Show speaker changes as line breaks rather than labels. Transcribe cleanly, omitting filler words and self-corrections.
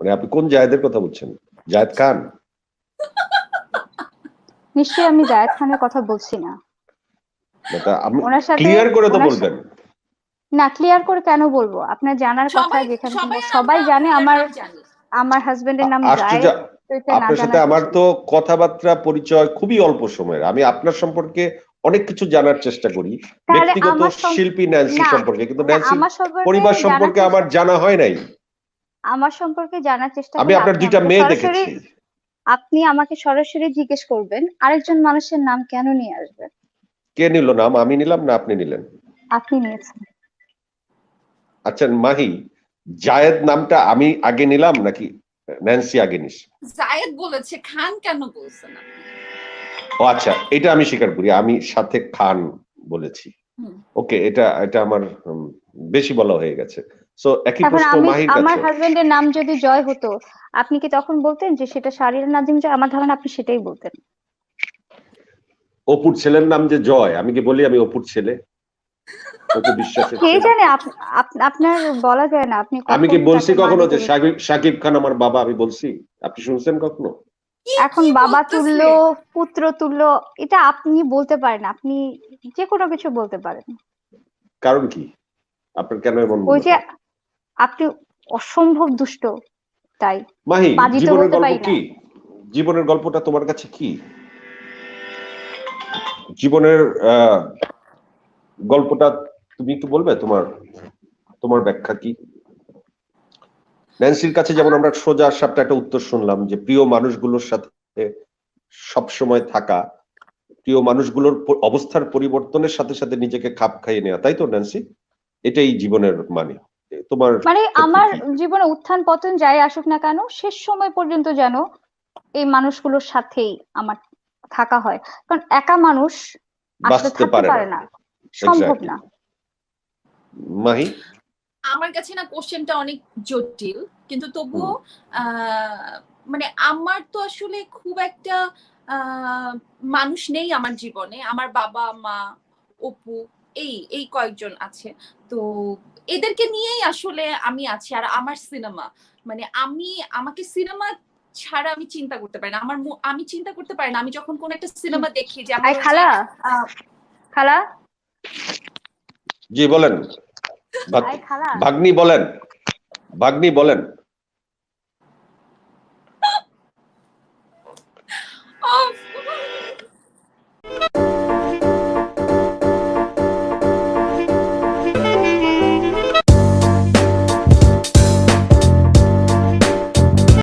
মানে আপনি কোন জায়েদের কথা বলছেন? জায়েদ খান?
নিশ্চয়ই আমি জায়েদ খানের কথা বলছি না। ওনার সাথে
ক্লিয়ার করে তো বলবেন।
না, ক্লিয়ার করে কেন বলবো? আপনার জানার কথা, যেখানে সবাই জানে আমার হাজবেন্ডের নাম
আশ্চর্য,
জায়েদ।
আপনার সাথে আমার তো কথাবার্তা পরিচয় খুবই অল্প সময়ের। আমি আপনার সম্পর্কে অনেক কিছু জানার চেষ্টা করি, ব্যক্তিগত শিল্পী ন্যান্সি সম্পর্কে, কিন্তু ন্যান্সির পরিবার সম্পর্কে আমার জানা হয় নাই।
আমার সম্পর্কে জানার চেষ্টা
আমি আপনার দুইটা মেয়ে দেখেছি।
আপনি আমাকে সরাসরি জিজ্ঞেস করবেন আরেকজন মানুষের নাম কেন নিয়ে আসবেন?
কে নিল নাম? আমি নিলাম না আপনি নিলেন?
আপনি নিয়েছেন।
আচ্ছা মাহি, জায়েদ নামটা আমি আগে নিলাম নাকি ন্যান্সি আগে নিস?
জায়েদ বলেছে, খান কেন বলছেন আপনি?
ও আচ্ছা, এটা আমি স্বীকার করি, আমি সাথে খান বলেছি। ওকে, এটা আমার বেশি বলা হয়ে গেছে। সো একই প্রশ্ন মাহির কাছে।
আমার হাজবেন্ডের নাম যদি জয় হতো, আপনি কি তখন বলতেন যে সেটা শাহরিয়ার নাজিম জয়? আমার ধারণা আপনি সেটাই বলতেন।
অপুর ছেলের নাম যে জয়, আমি কি বলি আমি অপুর ছেলে? অপু বিশ্বাসের
কে জানে, আপনার বলা যায় না। আপনি
আমি কি বলছি কখনো যে শাকিব খান আমার বাবা? আমি বলছি? আপনি শুনছেন কখনো?
এখন বাবা তুল্য, পুত্র তুল্য, এটা আপনি বলতে পারেন। আপনি যে কোনো কিছু বলতে পারেন।
কারণ কি আপনার কেন এমন মনে হয়?
ওই যে আপনি অসম্ভব দুষ্ট, তাই।
মাহি, জীবনের গল্প কি? জীবনের গল্পটা তোমার কাছে কি? জীবনের গল্পটা তুমি একটু বলবে? তোমার ব্যাখ্যা কি? ন্যান্সির কাছে যেমন আমরা সোজা সাপটা একটা উত্তর শুনলাম যে প্রিয় মানুষগুলোর সাথে সব সময় থাকা, প্রিয় মানুষগুলোর অবস্থার পরিবর্তনের সাথে সাথে নিজেকে খাপ খাইয়ে নেওয়া, তাই তো ন্যান্সি? এটাই জীবনের মানে। তোমার
মানে আমার জীবনে উত্থান পতন যাই আসুক না কেন, শেষ সময় পর্যন্ত যেন এই মানুষগুলোর সাথেই আমার থাকা হয়। কারণ একা মানুষ আসলে থাকতে পারে না, সম্ভব না।
মাহি,
আমার কাছে না কোশ্চেনটা অনেক জটিল, কিন্তু তবুও মানে আমার তো আসলে খুব একটা মানুষ নেই আমার জীবনে। আমার বাবা মা, অপু, এই কয়েকজন আছে। তো এদেরকে নিয়েই আসলে আমি আছি। আর আমার সিনেমা, মানে আমাকে সিনেমা ছাড়া আমি চিন্তা করতে পারি না। আমি চিন্তা করতে পারি না, আমি যখন কোন একটা সিনেমা দেখি যে আমার
খালা।
জি বলেন। ভাগ্নি বলেন।